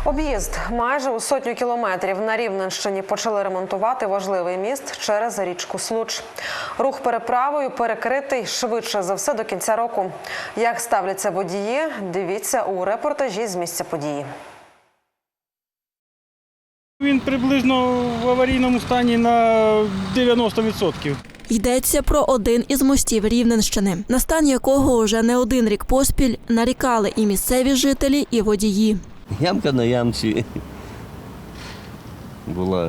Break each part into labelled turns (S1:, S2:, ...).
S1: Об'їзд майже у 100 кілометрів на Рівненщині почали ремонтувати важливий міст через річку Случ. Рух переправою перекритий швидше за все до кінця року. Як ставляться водії, дивіться у репортажі з місця події.
S2: Він приблизно в аварійному стані на 90%.
S3: Йдеться про один із мостів Рівненщини, на стан якого вже не один рік поспіль нарікали і місцеві жителі, і водії.
S4: Ямка на ямці була.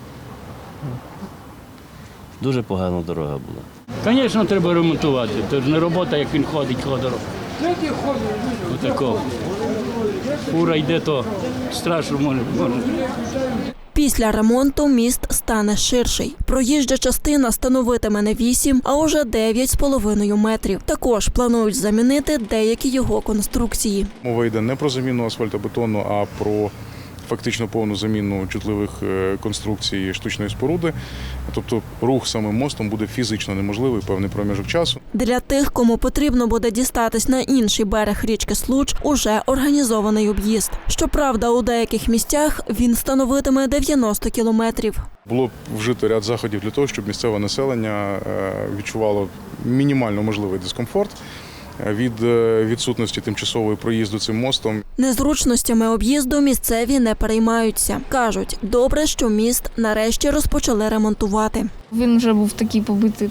S4: Дуже погана дорога була.
S5: Звісно, треба ремонтувати. Це ж не робота, як він ходить ходором. Отако. Фура йде, то страшно може.
S3: Після ремонту міст стане ширший. Проїжджа частина становитиме не 8, а уже 9,5 метрів. Також планують замінити деякі його конструкції.
S6: Мова йде не про заміну асфальтобетону, а про фактично повну заміну чутливих конструкцій штучної споруди. Тобто рух самим мостом буде фізично неможливий певний проміжок часу.
S3: Для тих, кому потрібно буде дістатись на інший берег річки Случ, уже організований об'їзд. Щоправда, у деяких місцях він становитиме 90 кілометрів.
S6: Було вжито ряд заходів для того, щоб місцеве населення відчувало мінімально можливий дискомфорт від відсутності тимчасової проїзду цим мостом.
S3: Незручностями об'їзду місцеві не переймаються. Кажуть, добре, що міст нарешті розпочали ремонтувати.
S7: Він вже був такий побитий,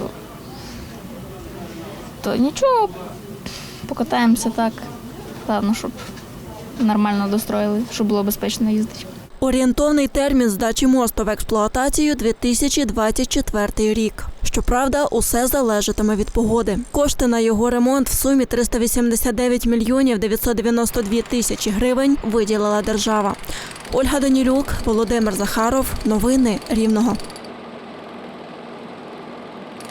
S7: то нічого, покатаємося так. Головне, щоб нормально достроїли, щоб було безпечно їздити.
S3: Орієнтовний термін здачі мосту в експлуатацію – 2024 рік. Щоправда, усе залежатиме від погоди. Кошти на його ремонт в сумі 389 мільйонів 992 тисячі гривень виділила держава. Ольга Данілюк, Володимир Захаров. Новини Рівного.